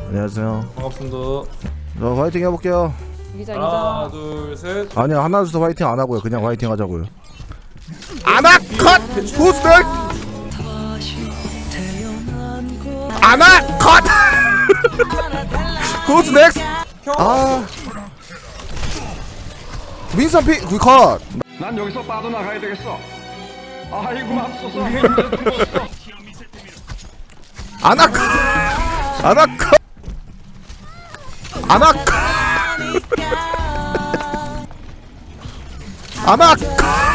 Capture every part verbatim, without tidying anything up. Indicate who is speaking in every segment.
Speaker 1: 안녕하세요.
Speaker 2: 반갑습니다.
Speaker 1: 저 화이팅 해볼게요.
Speaker 3: 이기자
Speaker 2: 하나,
Speaker 3: 이기자.
Speaker 2: 둘, 셋.
Speaker 1: 아니요, 하나 둘 셋 화이팅 안 하고요. 그냥 화이팅 하자고요. 아나 컷! 보스들! 아나 컷! 보스 넥스! 아 윈선 피 그 컷!
Speaker 4: 난 여기서 빠져나가야 되겠어. 아이고 맙소사. 죽었어.
Speaker 1: 아나 컷! 아나 컷! 아나 컷! 아나 컷!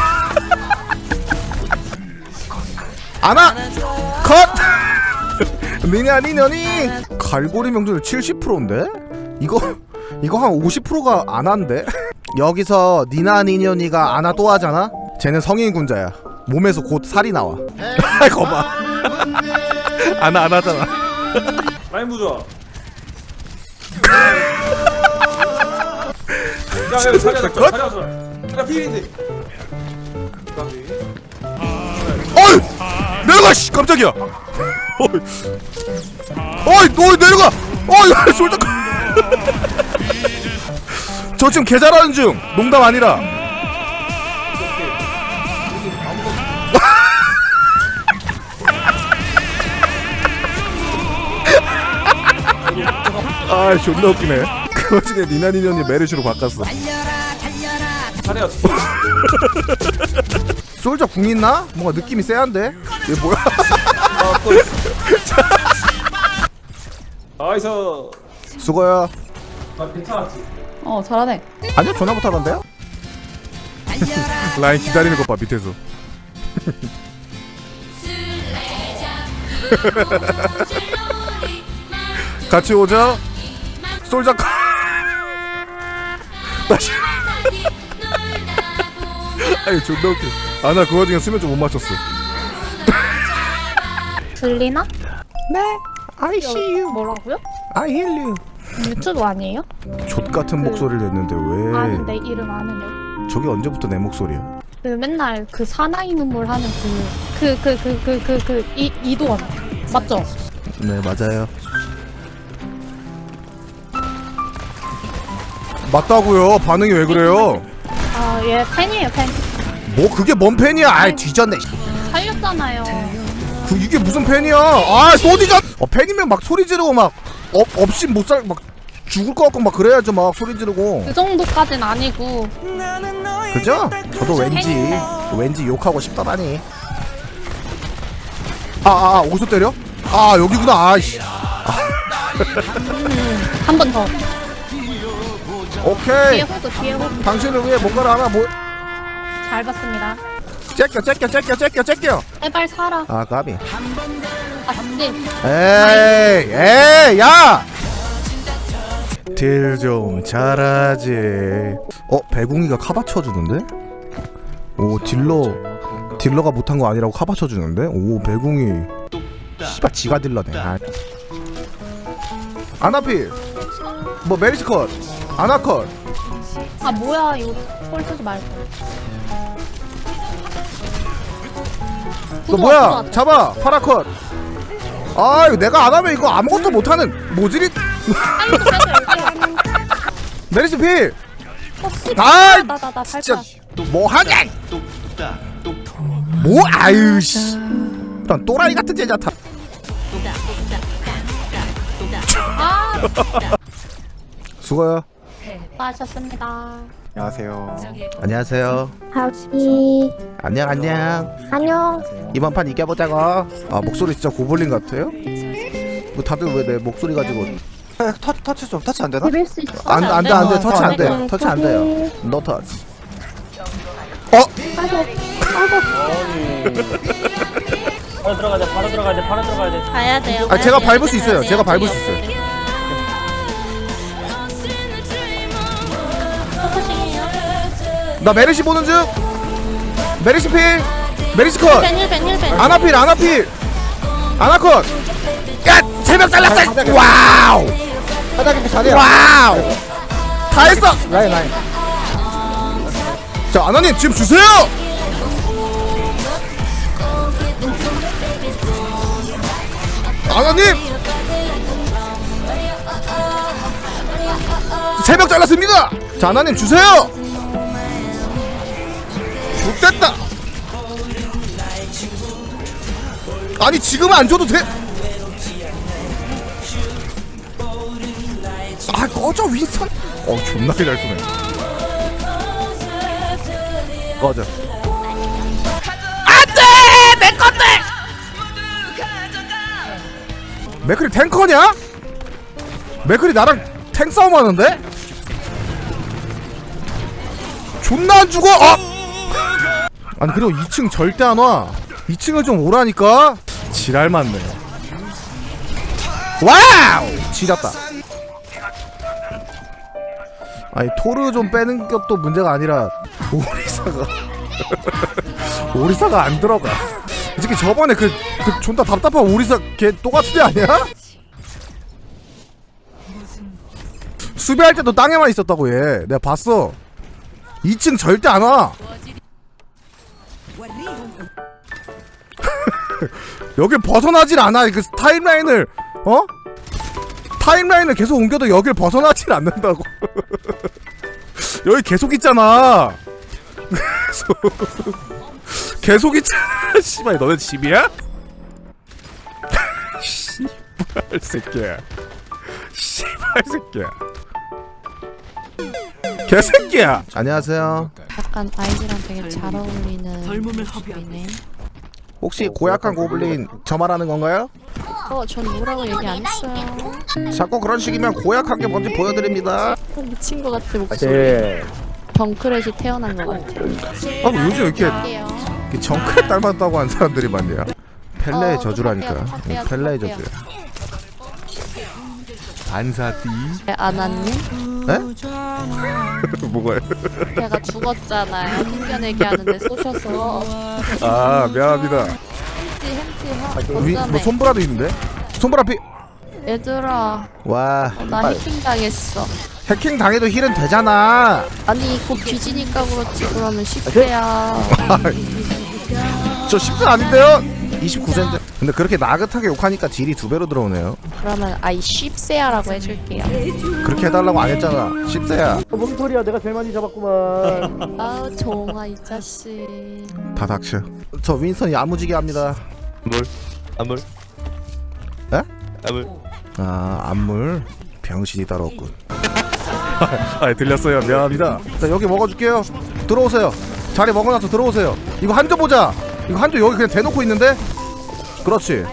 Speaker 1: 아나 컷! 니냐 니냐니 갈고리 명절 칠십 퍼센트인데? 이거 이거 한 오십 퍼센트가 안 한데? 여기서 니나 니녀니가 아나 또 하잖아? 쟤는 성인 군자야. 몸에서 곧 살이 나와. 거봐. 아나 안 하잖아.
Speaker 2: 라인 부좋아. 야, 야, 자리야, 자리야,
Speaker 1: 컷!
Speaker 2: 자리야, 자리야, 필인데.
Speaker 1: 어이! 내려가! 씨! 깜짝이야! 어이! 어이! 너 내려가! 어이! 솔직히 저 지금 개 잘하는 중! 농담 아니라! 아 존나 웃기네. 그 와중에 니나니년이 메르시로 바꿨어.
Speaker 2: 자리야.
Speaker 1: 솔저 궁 있나? 뭔가 느낌이 쎄한데? 얘 뭐야?
Speaker 2: 아, 또 있어. 나이스.
Speaker 1: 수고야.
Speaker 2: 나 괜찮았지?
Speaker 3: 어 잘하네.
Speaker 1: 아니요 전화 못하던데요? 라인 기다리는 것 봐 밑에서. 같이 오자. 솔저 다시. 아니 존나 웃겨. 아 나 그 와중에 수면 좀 못 맞췄어.
Speaker 5: 들리나?
Speaker 1: 네. I see you.
Speaker 5: 뭐라고요?
Speaker 1: I hear you.
Speaker 5: 유튜브 아니에요?
Speaker 1: 족 같은 목소리를 냈는데 왜?
Speaker 5: 아는데 이름 아는데.
Speaker 1: 저게 언제부터 내 목소리야?
Speaker 5: 그 맨날 그 사나이 눈물 하는 그 그 그 그 그 그 그 이 이도원 맞죠?
Speaker 1: 네 맞아요. 맞다고요. 반응이 왜 그래요?
Speaker 5: 아 얘 팬이에요 팬.
Speaker 1: 뭐 그게 뭔 팬이야? 아이 뒤졌네.
Speaker 5: 살렸잖아요.
Speaker 1: 그 이게 무슨 팬이야? 아 소리가. 어 팬이면 막 소리 지르고 막 업 없이 못 살 막 죽을 것 같고 막 그래야죠 막 소리 지르고.
Speaker 5: 그 정도까진 아니고.
Speaker 1: 그죠? 저도 왠지 왠지 욕하고 싶더라니. 아아 아, 어디서 때려? 아 여기구나. 아이씨.
Speaker 5: 한 번 더.
Speaker 1: 오케이.
Speaker 5: 뒤에 호그 뒤에 호그.
Speaker 1: 당신을 위해 뭔가를 하나 뭐
Speaker 5: 잘 봤습니다.
Speaker 1: 째껴 째껴 째껴 째껴 째껴.
Speaker 5: 제발 살아.
Speaker 1: 아 까비.
Speaker 5: 아씨.
Speaker 1: 에이 에이 야. 딜 좀 잘하지. 어 배궁이가 카바 쳐주는데? 오 딜러 딜러가 못한 거 아니라고 카바 쳐주는데? 오 배궁이 씨발 지가 딜러네. 아. 아나필 뭐 메리스컷 아나컷.
Speaker 5: 아 뭐야 이거 꼴 쓰지 말고.
Speaker 1: 너 뭐야 잡아 파라컷. 아유 내가 안하면 이거 아무것도 못하는 모질이.
Speaker 5: 빨리 좀 해줘 여기.
Speaker 1: 메리스 필.
Speaker 5: 어, 씨.
Speaker 1: 아이
Speaker 5: 나나나
Speaker 1: 진짜
Speaker 5: 발파.
Speaker 1: 뭐하냐 뭐 아유 씨 난 또라이 같은 제자타.
Speaker 5: 아
Speaker 1: 수고요.
Speaker 5: 수고하셨습니다.
Speaker 6: 안녕하세요.
Speaker 1: 안녕하세요.
Speaker 5: 하우씨.
Speaker 1: 안녕 안녕.
Speaker 5: 안녕.
Speaker 1: 이번 판 이겨보자고. 아 목소리 진짜 고블린 같아요? 뭐 다들 왜 내 목소리 가지고.
Speaker 6: 아, 터치 터치 좀 터치 안 되나?
Speaker 5: 비빌 수 있어.
Speaker 1: 안돼 안돼 안돼 터치 안돼
Speaker 5: 네,
Speaker 1: 터치 안 돼요. 노 터치. 어?
Speaker 7: 바로 들어가야 돼, 바로 들어가야 돼, 바로 들어가야 돼.
Speaker 5: 가야 돼요.
Speaker 1: 아 제가 밟을 수 있어요. 제가 밟을 수 있어요. 나 메르시 보는 중. 메르시 필. 메르시 컷.
Speaker 5: 벤일 벤일 벤.
Speaker 1: 아나필 아나필 아나컷. 야 세 명 잘랐어. 와우
Speaker 6: 바닥에 자리야.
Speaker 1: 와우 다 했어.
Speaker 6: 라인 라인.
Speaker 1: 자 아나님 지금 주세요. 아나님 세 명 잘랐습니다. 자 하나님 주세요. 죽됐다. 아니 지금 안 줘도 돼. 아 꺼져 윈선. 어 존나게 잘 쏘네. 꺼져. 안돼 내 건데. 맥클이 탱커냐? 맥클이 나랑 탱 싸움 하는데? 존나 안 죽어. 어! 아니 그리고 이 층 절대 안 와. 이 층을 좀 오라니까. 지랄 맞네. 와우! 지렸다. 아니 토르 좀 빼는 것도 문제가 아니라 오리사가 오리사가 안 들어가. 이 새끼 저번에 그, 그 존나 답답한 오리사 걔 똑같은 애 아니야? 수비할 때도 땅에만 있었다고 얘. 내가 봤어. 이 층 절대 안 와. 여길 벗어나질 않아. 그 타임라인을 어? 타임라인을 계속 옮겨도 여길 벗어나질 않는다고. 여기 계속 있잖아. 계속 계속 있잖아. 씨발 너네 집이야? 씨발 새끼야. 씨발 새끼야. 개새끼야. 안녕하세요.
Speaker 5: 약간 아이디랑 되게 잘 어울리는 모습이네.
Speaker 1: 혹시 고약한 고블린 저 말하는 건가요?
Speaker 5: 어, 전 뭐라고 얘기 안 했어요.
Speaker 1: 자꾸 그런 식이면 고약한 게 뭔지 보여드립니다.
Speaker 5: 어, 미친 것 같아 목소리. 정크렛이 태어난 것 같아.
Speaker 1: 아 요즘 이렇게,
Speaker 5: 할게요.
Speaker 1: 이렇게 정크렛 닮았다고 한 사람들이 많네요. 펠레의
Speaker 5: 어,
Speaker 1: 저주라니까.
Speaker 5: 좀 뺄게요, 좀
Speaker 1: 펠레의
Speaker 5: 뺄게요.
Speaker 1: 저주야. 안사띠.
Speaker 5: 네, 아나님?
Speaker 1: 에? 뭐가요?
Speaker 5: 제가 죽었잖아요. 튕겨내기 하는데 쏘셔서.
Speaker 1: 아 미안합니다.
Speaker 5: 햄찌 햄찌 하.
Speaker 1: 위, 뭐
Speaker 5: 어쩌네.
Speaker 1: 손브라도 있는데? 손브라 피.
Speaker 5: 얘들아,
Speaker 1: 와.
Speaker 5: 어, 나 해킹 당했어.
Speaker 1: 해킹 당해도 힐은 되잖아.
Speaker 5: 아니 곧 뒤지니까 그렇지. 그러면 십 대야.
Speaker 1: 저 십 세 아닌데요? 이십구 세인데. 근데 그렇게 나긋하게 욕하니까 딜이 두 배로 들어오네요.
Speaker 5: 그러면 아이 십 세야라고 해줄게요.
Speaker 1: 그렇게 해달라고 안 했잖아. 십 세야.
Speaker 7: 뭔 소리야? 내가 제일 많이 잡았구만.
Speaker 5: 아우 종아 이 자식.
Speaker 1: 다 닥쳐. 저 윈선이 야무지게 합니다.
Speaker 3: 물? 안물?
Speaker 1: 에?
Speaker 3: 안물?
Speaker 1: 아 안물. 병신이 따로 없군. 아 들렸어요. 미안합니다. 자 여기 먹어줄게요. 들어오세요. 자리 먹어놔서 들어오세요. 이거 한조 보자. 이거 한조 여기 그냥 대놓고 있는데? 그렇지.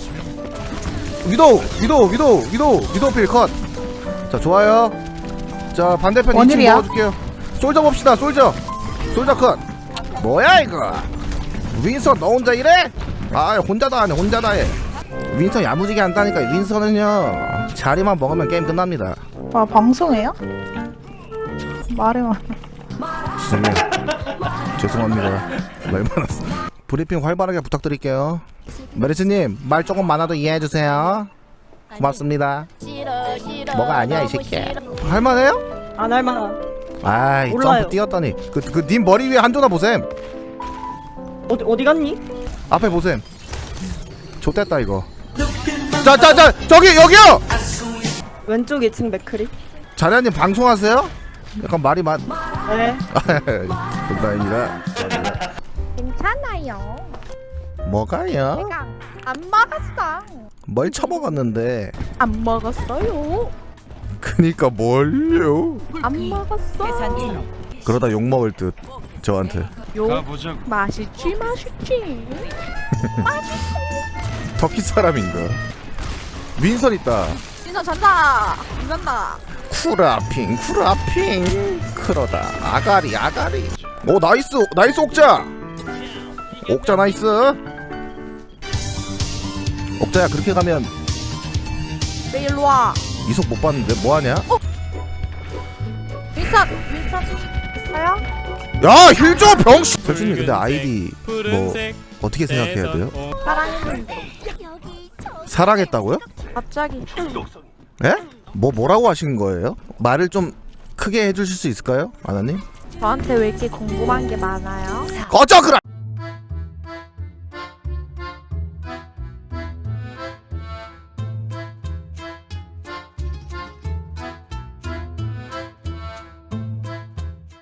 Speaker 1: 위도우 위도우 위도우 위도우 위도우 필 컷. 자 좋아요. 자 반대편 이 층 먹어줄게요. 솔저 봅시다. 솔저 솔저 컷. 뭐야 이거. 윈선 너 혼자 이래? 아 혼자 다 하네. 혼자 다 해. 윈선 야무지게 한다니까. 윈선은요 자리만 먹으면 게임 끝납니다.
Speaker 8: 아 방송해요? 말해만.
Speaker 1: 죄송해요. 죄송합니다. 말 많았어. 브리핑 활발하게 부탁드릴게요. 메리스님 말 조금 많아도 이해해주세요. 고맙습니다. 뭐가 아니야 이 새끼야. 할만해요?
Speaker 7: 안 할만하.
Speaker 1: 아이
Speaker 7: 몰라요.
Speaker 1: 점프 뛰었더니 그 그 님 머리 위에 한조나 보셈.
Speaker 7: 어디 어디 갔니?
Speaker 1: 앞에 보셈. 좆됐다 이거. 자자자 저기 여기요.
Speaker 7: 왼쪽 이 층 맥크리.
Speaker 1: 자리아님 방송하세요? 약간 말이 많.
Speaker 7: 네.
Speaker 1: 감사합니다.
Speaker 8: 괜찮아요.
Speaker 1: 뭐가요?
Speaker 8: 내가 안 먹었어.
Speaker 1: 뭘 처먹었는데?
Speaker 8: 안 먹었어요.
Speaker 1: 그니까 뭘요?
Speaker 8: 안 먹었어.
Speaker 1: 그러다 욕 먹을 듯 저한테.
Speaker 8: 요 맛있지 맛있지.
Speaker 1: 터키 사람인가? 윈선 있다.
Speaker 8: 진짜 잔다. 잔다.
Speaker 1: 쿠라핑 쿠라핑 크로다 아가리 아가리. 오 나이스 나이스 옥자. 옥자 나이스. 옥자야 그렇게 가면
Speaker 8: 왜 일로 와?
Speaker 1: 이속 못 봤는데 뭐하냐?
Speaker 8: 윈선 윈선 있어요?
Speaker 1: 야 힐줘 병신. 교수님 근데 아이디 뭐 어떻게 생각해야 돼요?
Speaker 8: 사랑했는데
Speaker 1: 사랑했다고요?
Speaker 8: 갑자기.
Speaker 1: 예? 뭐 뭐라고 하신 거예요? 말을 좀 크게 해주실 수 있을까요, 아나님?
Speaker 8: 저한테 왜 이렇게 궁금한 게 많아요?
Speaker 1: 꺼져 그럼.